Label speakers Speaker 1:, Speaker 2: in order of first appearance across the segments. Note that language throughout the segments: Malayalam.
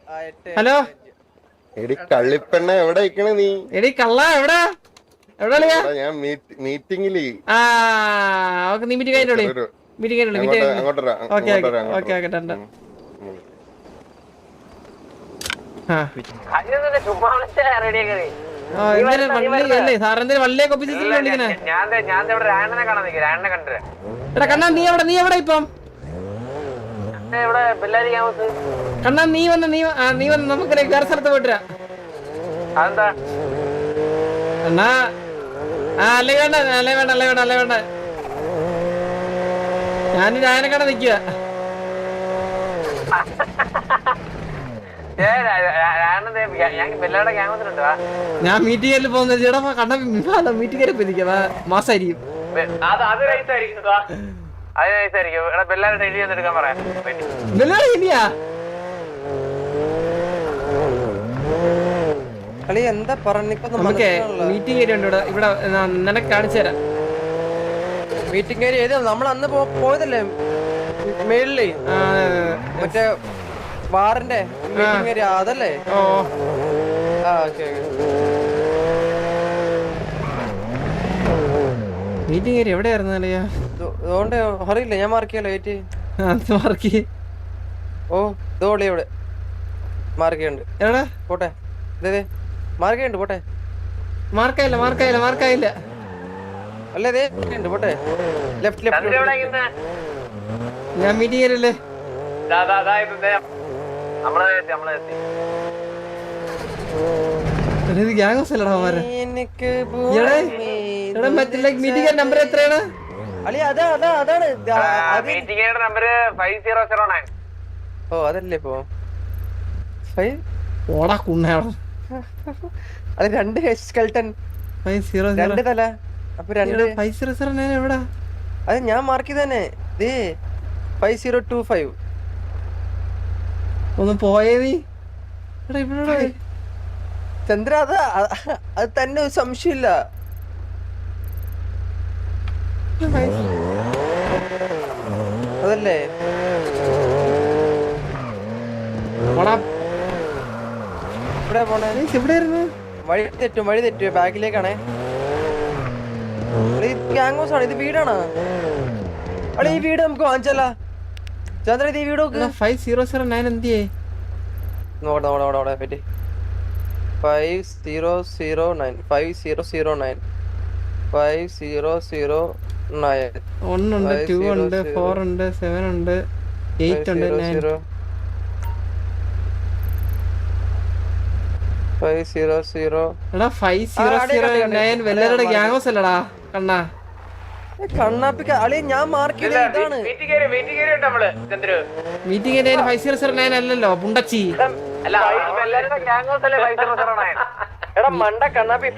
Speaker 1: ഹലോ
Speaker 2: എടി കള്ളിപ്പെണ്ണ എവിടെ ഇരിക്കണ നീ?
Speaker 1: എടി കള്ള എവിടാ എവിടെയാ?
Speaker 2: ഞാൻ മീറ്റിംഗില്.
Speaker 1: നീ മീറ്റിംഗ് കഴിഞ്ഞോളി. മീറ്റിംഗ് സാറെന്തായാലും വള്ളിയൊക്കെ ഒപ്പിച്ചിട്ടില്ലേ വിളിക്കണേ? എടാ കണ്ണാ നീ എവിടെ ഇപ്പം? കണ്ണാ നീ വന്ന് നമുക്ക് വേറെ സ്ഥലത്ത് പോയിട്ടാ എന്നാ. അല്ലേ വേണ്ട ഞാനൊരു ആയനക്കട നിക്കുക. ഞാൻ മീറ്റിംഗിൽ പോകുന്നത് ചേട്ടാ കണ്ണ മീറ്റിംഗ് പോയിരിക്കാം. മാസായിരിക്കും.
Speaker 3: എന്താ
Speaker 1: നമുക്ക് മീറ്റിംഗ് ഏരിയ ഉണ്ട് ഇവിടെ. നിനക്ക് കാണിച്ചു തരാം.
Speaker 3: മീറ്റിംഗ് ഏരിയ ഏത്? നമ്മൾ അന്ന് പോയതല്ലേ മേളില്, മറ്റേ വാറിന്റെ മീറ്റിംഗ് ഏരിയ അതല്ലേ?
Speaker 1: മീറ്റിംഗ് ഏരിയ എവിടെയായിരുന്നു?
Speaker 3: അതുകൊണ്ട് അറിയില്ല, ഞാൻ മാർക്ക് ചെയ്യാലോ. Wait
Speaker 1: mark.
Speaker 3: ഓ ഇതോളി ഇവിടെ മാർക്ക് ചെയ്യുന്നുണ്ട്.
Speaker 1: എവിടെ
Speaker 3: പോട്ടെ, മാർക്ക് ചെയ്യുന്നുണ്ട്. പോട്ടെ,
Speaker 1: മാർക്കായില്ല.
Speaker 3: അല്ലേ ഉണ്ട്. പോട്ടെ, ലെഫ്റ്റ്.
Speaker 1: ഞാൻ മീറ്റിംഗ് ഏരിയല്ലേ? മീറ്റിംഗ് നമ്പർ എത്രയാണ്?
Speaker 3: ഓ അതല്ലേ ഇപ്പൊ അത് 2 സ്കെൽട്ടൺ 2 തല. അപ്പൊ
Speaker 1: 2 എവിടാ?
Speaker 3: അത് ഞാൻ മാർക്ക് ചെയ്തന്നെ. 5025.
Speaker 1: ഒന്ന് പോയേ നീ
Speaker 3: ചന്ദ്ര. അത് തന്നെ ഒരു സംശയമില്ല. അതല്ലേ ഇവിടെ പോണേ? വഴി തെറ്റു. ബാക്കിലേക്കാണേ. ഗ്യാങ് ഹൗസ് ആണ്. ഇത് വീടാണ്. അളി ഈ വീട് നമുക്ക് വാങ്ങിച്ചല്ല ചന്ദ്ര. ഇത് ഈ വീട്
Speaker 1: 5009 എന്തിയേ?
Speaker 3: നോടെ പറ്റി 5009
Speaker 1: 1 ഉണ്ട്, 2 ഉണ്ട്, 4 ഉണ്ട്, 7 ഉണ്ട്, 8 ഉണ്ട്, 9. 5009 വെല്ലരുടെ ഗ്യാങ് ഹൗസ് അല്ലടാ കണ്ണാ.
Speaker 3: കണ്ണാപ്പിക്ക അളി ഞാൻ മാർക്ക് ചെയ്താണ്.
Speaker 1: മീറ്റിംഗ് ഏരിയ 5009 അല്ലല്ലോ പുണ്ടച്ചി.
Speaker 3: എടാ മണ്ട കണ്ണാപ്പി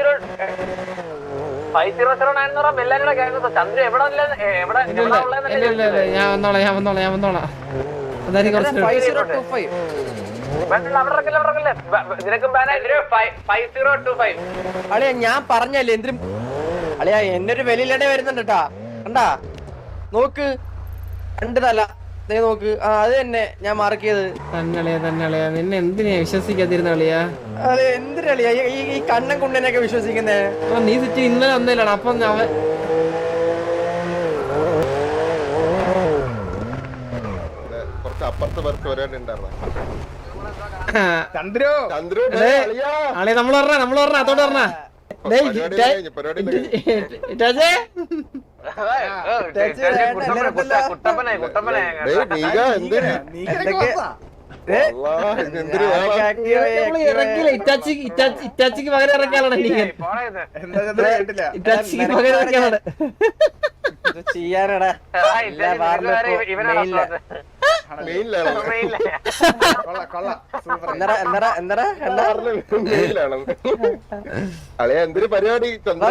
Speaker 3: 5009
Speaker 1: ഞാൻ വന്നോളാം. അതായത് കുറച്ച്
Speaker 3: 5025. അളിയാ ഞാൻ പറഞ്ഞല്ലേ എന്തിനും. അളിയാ എന്നൊരു വെളിയിലടെ വരുന്നുണ്ട് കേട്ടാ. കണ്ടാ നോക്ക് 2 തല. നോക്ക് അത് തന്നെ ഞാൻ മാർക്ക് ചെയ്തത്.
Speaker 1: തന്നെ നിന്നെ എന്തിനാ വിശ്വസിക്കാതിരുന്ന കളിയാ?
Speaker 3: അതെ എന്തിനാളിയാ ഈ കണ്ണൻ കുണ്ടനൊക്കെ വിശ്വസിക്കുന്നേ?
Speaker 1: നീ സിറ്റി ഇന്നലെ വന്നില്ലാണ്. അപ്പം
Speaker 2: കുറച്ച് അപ്പുറത്ത് പേർക്ക് വരാനുണ്ടായിരുന്നു.
Speaker 1: നമ്മള് പറഞ്ഞ അതോട് പറഞ്ഞ ഇറ്റാച്ചിക്ക് പകരം ഇറക്കാനാണ്. ഇറ്റാച്ചിക്ക് പകരം ഇറക്കാനാണ്.
Speaker 3: ചെയ്യാനടാ
Speaker 2: എന്തൊരു പരിപാടി.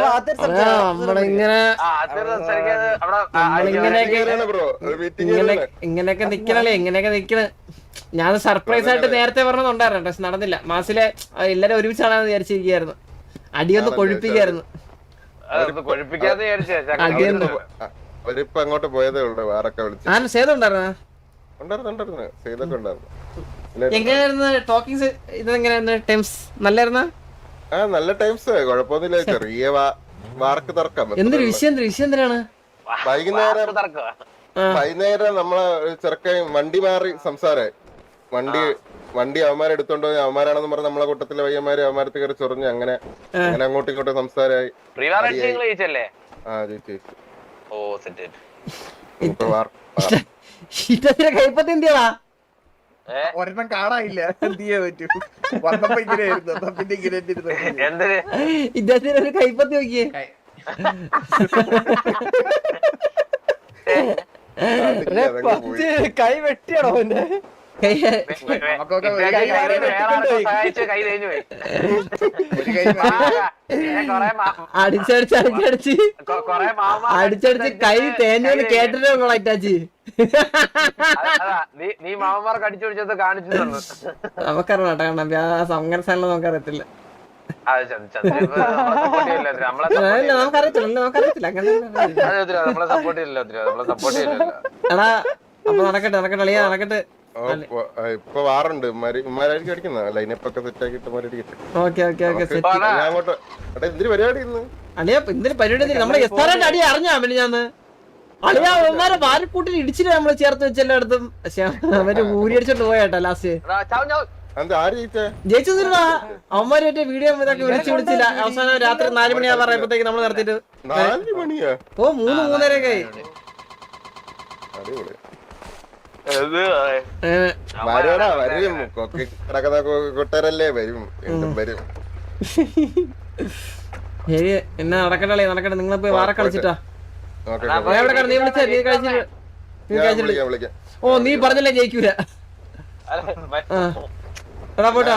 Speaker 1: ഇങ്ങനെയൊക്കെ നിക്കണേ. ഞാൻ സർപ്രൈസ് ആയിട്ട് നേരത്തെ പറഞ്ഞതുണ്ടായിരുന്നു, പക്ഷെ നടന്നില്ല. മാസിലെ എല്ലാരും ഒരുമിച്ചാണെന്ന് വിചാരിച്ചിരിക്കുകയായിരുന്നു. അടിയൊന്ന് കൊഴുപ്പിക്കായിരുന്നു.
Speaker 2: അവരിപ്പോ അങ്ങോട്ട് പോയതേ ഉള്ളു. വേറൊക്കെ വിളിച്ചു.
Speaker 1: സേതുണ്ടായിരുന്ന
Speaker 2: ഉണ്ടായിരുന്നു. സേതൊക്കെ ഉണ്ടായിരുന്നു.
Speaker 1: എങ്ങനെയായിരുന്നു ടോക്കിങ്സ്? ഇതെങ്ങനെയായിരുന്നു ടൈംസ്? നല്ലായിരുന്ന?
Speaker 2: നല്ല ടൈംസ്, കുഴപ്പമൊന്നുമില്ല. ചെറിയ വാർക്ക് തർക്കം.
Speaker 1: എന്തൊരു വിഷയം എന്തിനാണ്?
Speaker 2: വൈകുന്നേരം നമ്മളെ ചെറുക്കൻ വണ്ടി മാറി സംസാരമായി. വണ്ടി അവന്മാരെടുത്തോണ്ട് പോയി, അവന്മാരാണെന്ന് പറഞ്ഞ് നമ്മളെ കൂട്ടത്തിലെ പയ്യന്മാര് അവന്മാരത്ത് കയറി ചൊറിഞ്ഞ് അങ്ങനെ അങ്ങോട്ടും ഇങ്ങോട്ടും സംസാരമായി.
Speaker 1: കൈപ്പത്തി എന്തിയാ
Speaker 4: ഒരെണ്ണം കാണാനില്ല, എന്ത് ചെയ്യാൻ പറ്റൂ? വന്നപ്പോ ഇങ്ങനെയായിരുന്നു, പിന്നെ ഇങ്ങനെ
Speaker 1: ഇദ്ദേഹത്തിന് ഒരു കൈപ്പത്തി നോക്കിയേ.
Speaker 3: കൈ വെട്ടിയാണോ എന്റെ
Speaker 1: അടിച്ചടിച്ച് കൈ തേഞ്ഞോന്ന് കേട്ടിട്ടുള്ളൂ അറ്റാച്ച്.
Speaker 5: നീ മാമന്മാർക്ക് അടിച്ചു പിടിച്ചത് കാണിച്ചു
Speaker 1: നമുക്കറിയാം കേട്ടോ, കാരണം അങ്ങനെ സ്ഥലം നമുക്കറിയത്തില്ല. നമുക്കറിയത്തില്ല അങ്ങനെ. എടാ അപ്പൊ നടക്കട്ടെ അളിയാ നടക്കട്ടെ.
Speaker 2: ഇപ്പൊ വാറുണ്ട് ഉമ്മാരായിരിക്കും അടിക്കുന്ന ലൈനപ്പ് ഒക്കെ സെറ്റ് ആക്കിട്ട്
Speaker 1: ഓക്കെ
Speaker 2: അങ്ങോട്ട്. എന്തിനു പരിപാടി ഇന്ന്?
Speaker 1: അളിയാ എന്തിനു പരിപാടി? നമ്മളെ എസ്താറായിട്ട് അടി അറിഞ്ഞാ പിന്നെ ഞാന്ന് അളിയാ അവന്മാരെ വാരക്കൂട്ടിൽ ഇടിച്ചിട്ട് നമ്മള് ചേർത്ത് വെച്ചെല്ലായിടത്തും. പക്ഷെ അവര് ഊരി അടിച്ചോണ്ട് പോയാട്ടോ ലാസ്റ്റ്. ജയിച്ചതിനാ അവന്മാര് മറ്റേ വീഡിയോ ഇതൊക്കെ വിളിച്ചില്ല. അവസാനം രാത്രി 4 മണിയാ പറയുമ്പോഴത്തേക്ക് നമ്മള് നടത്തിട്ട്
Speaker 2: 4 മണിയാ?
Speaker 1: ഓ 3-3:30 ആയി.
Speaker 2: വരും കിടക്കുന്ന കൂട്ടരല്ലേ, വരും വരും.
Speaker 1: ശരി എന്നാ നടക്കട്ടെ നടക്കട്ടെ. നിങ്ങളെ പോയി വാറ കളിച്ചിട്ടാ. നീ വിളിച്ചാ നീ കഴിച്ചിട്ട്. ഓ നീ പറഞ്ഞല്ലേ ജയിക്കൂല. എടാ പോട്ടാ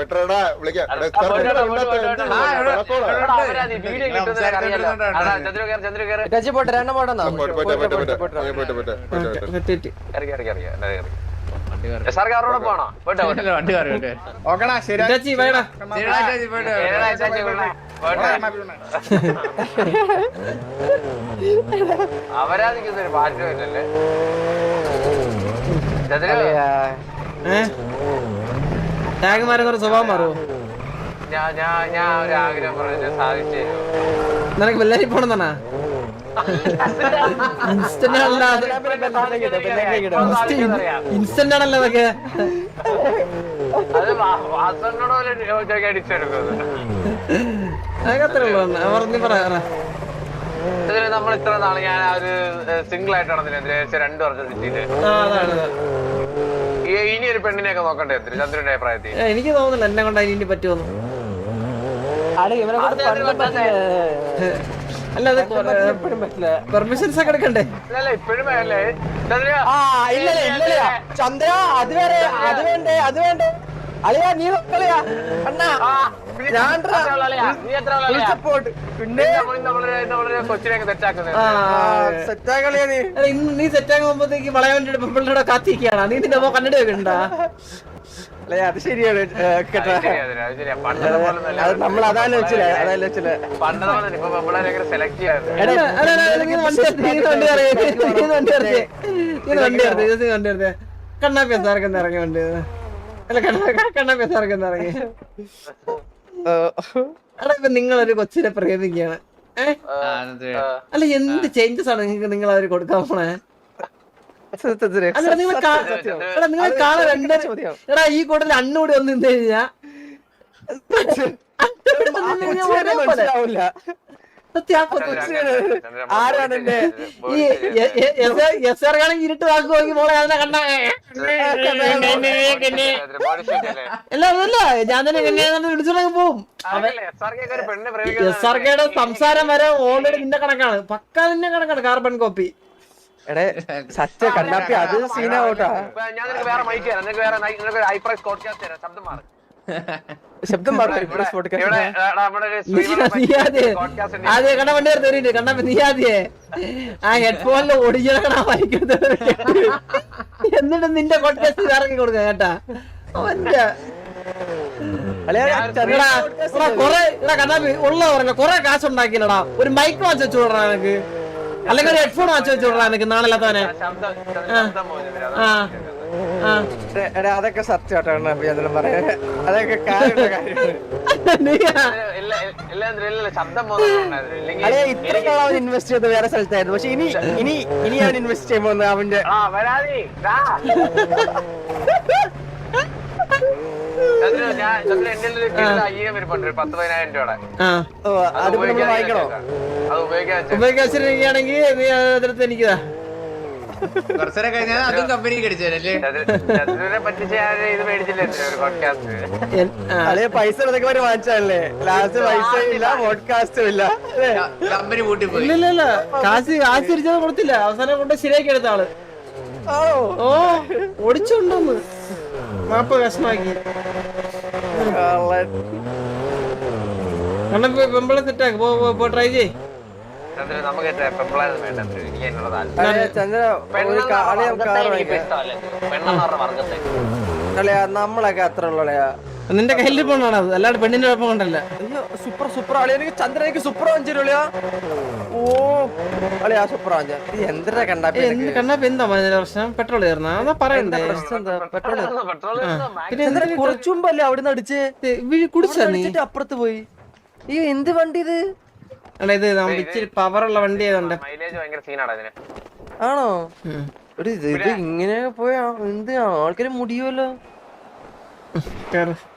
Speaker 5: അവരാധിക്കുന്നൊരു മാറ്റമില്ലല്ലേ.
Speaker 1: ടാഗ് മാറുന്ന സ്വഭാവം മാറുമോ?
Speaker 5: ഞാൻ ഒരു ആഗ്രഹം പറഞ്ഞു സാധിച്ചു.
Speaker 1: നിനക്ക് ബെല്ലാരി പോണെന്നാ? ഇൻസ്റ്റന്റ് ആണല്ലോ അതൊക്കെ. അതൊക്കെ അത്രേ ഉള്ളൂ. പറയാ
Speaker 5: നമ്മൾ ഇത്ര നാള് ഞാൻ ഒരു സിംഗിൾ ആയിട്ട് നടന്നില്ല 2 വർഷം സിറ്റിയില്. ഇനി ഒരു പെണ്ണിനെയൊക്കെ നോക്കണ്ടേ ചന്ദ്രന്റെ അഭിപ്രായത്തിൽ?
Speaker 1: എനിക്ക് തോന്നുന്നില്ല എന്നെ കൊണ്ട് അതിന് പറ്റുമെന്ന്. അല്ല അത് പെർമിഷൻസ് ഒക്കെ എടുക്കണ്ടേ?
Speaker 5: ഇപ്പോഴും
Speaker 3: ചന്ദ്ര അത് വേറെ അത് വേണ്ടേ അത് വേണ്ടേ അളിയാ നീ കളിയാ അണ്ണാ
Speaker 5: പിന്നെ കൊച്ചിനെയൊക്കെ സെറ്റാക്കുന്നത്.
Speaker 1: നീ സെറ്റാകുമ്പോഴത്തേക്ക് വളയവന്റെ പെമ്പിളുടെ കാത്തിരിക്കുകയാണ്. നീ നിന്റെ കണ്ണട വെക്കണ്ടാ?
Speaker 3: അത് ശരിയാണ് കേട്ടോ. നമ്മൾ അതാണ് വെച്ചില്ല അതല്ല വെച്ചില്ല.
Speaker 1: കണ്ണാപ്പിയസാർക്ക് എന്താ ഇറങ്ങി വണ്ടി? അല്ല കണ്ണാപ്പിയസാർക്ക് എന്താ ഇറങ്ങി? എടാ ഇപ്പൊ നിങ്ങളൊരു കൊച്ചിനെ പ്രേമിക്കുകയാണ്. അല്ല എന്ത് ചേഞ്ചസ് ആണ് നിങ്ങൾ അവര് കൊടുക്കാൻ പോണേ? നിങ്ങളെ കാണാൻ എടാ ഈ കൂട്ടത്തിൽ അണ്ണൂടി ഒന്ന് നിന്ന് കഴിഞ്ഞാ
Speaker 3: ആരാണ് എന്റെ
Speaker 1: ഇരുട്ട് വാക്ക് നോക്കി മോളെ അതിനെ കണ്ട അല്ല ഞാൻ തന്നെ വിളിച്ചോളങ്ങ് പോവും. എസ് ആർ കെയുടെ സംസാരം വരെ ഓൾറെഡി നിന്റെ കണക്കാണ്, പക്കാ നിന്റെ കണക്കാണ്, കാർബൺ കോപ്പി.
Speaker 3: എടേ സത്യ കണ്ണാപ്പി അത് സീനാവോട്ടാ. ശബ്ദം
Speaker 1: അതെ കണ്ണ വണ്ടി തരുന്നുണ്ട് കണ്ണാപ്പി. നീ ആദ്യേ ആ ഹെഡ്ഫോണിൽ ഓടിക്കണ വായിക്കുന്നത് എന്നിട്ട് നിന്റെ പോഡ്കാസ്റ്റ് ഇറങ്ങി കൊടുക്ക കേട്ടാ. കണ്ണാപ്പി ഉള്ള പറഞ്ഞ കൊറേ കാശ് ഉണ്ടാക്കിയില്ലടാ. ഒരു മൈക്ക് വാങ്ങിച്ചു വെച്ചു വിടറാ എനിക്ക്, അല്ലെങ്കിൽ ഒരു ഹെഡ്ഫോൺ വാങ്ങിച്ചു വെച്ചു വിടറാ എനിക്ക് നാളെ. ആ ആ.
Speaker 3: എടാ അതൊക്കെ സത്യം കേട്ടോ അഭിനന്ദനം പറയാ അതൊക്കെ കാര്യമുള്ള കാര്യമാണ്
Speaker 5: ഇല്ല ശബ്ദം പോകുന്നുണ്ടായിരുന്നു ഇല്ലെങ്കിൽ
Speaker 3: അല്ലെ ഇത്ര നാൾ അവൻ ഇൻവെസ്റ്റ് ചെയ്ത് വേറെ സ്ഥലത്തായിരുന്നു പക്ഷെ ഇനി അവൻ ഇൻവെസ്റ്റ് ചെയ്യുമ്പോ അവന്റെ
Speaker 5: ആ വരാതി എന്റെ അയ്യം ഇരിപ്പുണ്ട് 10,000 രൂപയുടെ
Speaker 3: അത് നമ്മൾ വായിക്കണോ
Speaker 5: അത് ഉപയോഗിക്കാൻ
Speaker 1: ഉപയോഗിക്കാണെങ്കിൽ നീ അതിനകത്ത് എനിക്കതാ
Speaker 6: കുറച്ചേരം കഴിഞ്ഞാൽ അതും കമ്പനി കടിച്ചല്ലേ
Speaker 5: ചന്ദ്രനെ പറ്റിച്ച് ഞാൻ ഇത് മേടിച്ചില്ലേ ഒരു പോഡ്കാസ്റ്റ്
Speaker 3: അല്ലെ പൈസ ഇതൊക്കെ വരെ വാങ്ങിച്ചല്ലേ ലാസ്റ്റ് പൈസ ഇല്ല പോഡ്കാസ്റ്റും ഇല്ല
Speaker 6: കമ്പനി കൂട്ടി പോയി
Speaker 1: ഇല്ല കാശ് തിരിച്ചത് കൊടുത്തില്ല അവസാനം കൊണ്ട് ശരിയാക്കി എടുത്ത ആള്
Speaker 3: ആണോ
Speaker 1: ഓ ഓടിച്ചുകൊണ്ടോന്ന് മാപ്പ് കഷ്ണമാക്കി കാരണം പെമ്പിളെ സെറ്റാക്ക് പോ ട്രൈ ചെയ്
Speaker 5: ചന്ദ്രൻ നമുക്ക് പെമ്പിളായിരുന്നു വേണ്ട എനിക്ക് അതിനുള്ള താല്പര്യം
Speaker 3: അല്ലെ ചന്ദ്ര ഒരു കാർ വാങ്ങിക്കാം
Speaker 5: പെണ്ണെന്ന് പറഞ്ഞ വർഗത്തെ
Speaker 3: അല്ലയാ നമ്മളൊക്കെ അത്ര ഉള്ളയാ
Speaker 1: നിന്റെ കയ്യിൽ പോണാണ് അത് അല്ലാണ്ട് പെണ്ണിന്റെ കുഴപ്പം കൊണ്ടല്ല
Speaker 3: അയ്യോ സൂപ്പർ അളിയ എനിക്ക് ചന്ദ്രനിക്ക് സൂപ്പർ വാങ്ങിച്ചിരുളിയാ ഓ അളിയാ സൂപ്പർ വാങ്ങിച്ച ഇത് എന്തിനാ കണ്ടാ
Speaker 1: എന്ത് കണ്ണാപ്പ് എന്താ ഇതിന്റെ പ്രശ്നം പെട്രോൾ കയറുന്ന അതാ പറയണ്ടേ
Speaker 5: പെട്രോൾ
Speaker 1: പിന്നെ
Speaker 3: കുറച്ചു മുമ്പല്ലേ അവിടുന്ന് അടിച്ച്
Speaker 1: കുടിച്ചാ നീ
Speaker 3: അപ്പുറത്ത് പോയി ഈ എന്ത് വണ്ടി ഇത്
Speaker 1: എടാ ഇത് നമ്മൾ ഇച്ചിരി പവറുള്ള വണ്ടി ആയതുകൊണ്ട്
Speaker 5: മൈലേജ് ഭയങ്കര സീനാണ് അതിന്
Speaker 3: ആണോ ഇത് ഇങ്ങനെ പോയാ എന്ത് ആൾക്കാര് മുടിയുമല്ലോ
Speaker 1: കേറ്